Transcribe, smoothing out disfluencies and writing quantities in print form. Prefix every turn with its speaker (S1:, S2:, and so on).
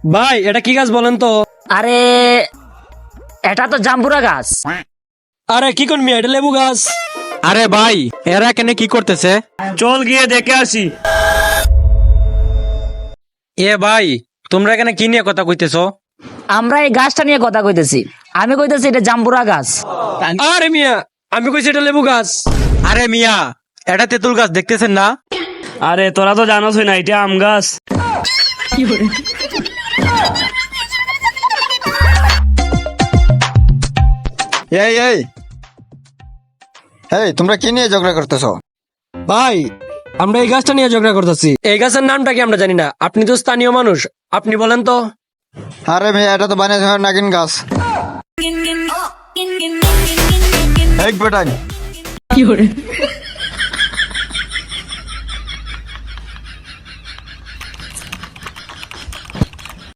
S1: ভাই এটা কি গাছ বলেন তো?
S2: আরে এটা তো জাম্বুরা গাছ।
S1: আরে কি কোন মিয়া, এটা লেবু গাছ।
S3: আরে ভাই, এরা কেন কি করতেছে?
S1: চল গিয়ে দেখে আসি।
S3: এ ভাই, তোমরা এখানে কি নিয়ে কথা কইতেছো?
S2: আমরা এই গাছটা নিয়ে কথা কইতেছি। আমি কইতেছি এটা জাম্বুরা গাছ।
S1: আরে মিয়া, আমি কইছি এটা লেবু গাছ।
S3: আরে মিয়া, এটা তেঁতুল গাছ দেখতেছেন না?
S1: আরে তোরা তো জানোস না এটা আম গাছ।
S4: এই এই এই তোমরা কি নিয়ে ঝগড়া করতেছো?
S1: ভাই আমরা এই গাছটা নিয়ে ঝগড়া করতেছি। এই গাছের নামটা কি আমরা জানি না, আপনি তো স্থানীয় মানুষ, আপনি বলেন তো।
S4: আরে ভাই, এটা তো বানিয়েছে নাগিন গাছ। এক বেটাই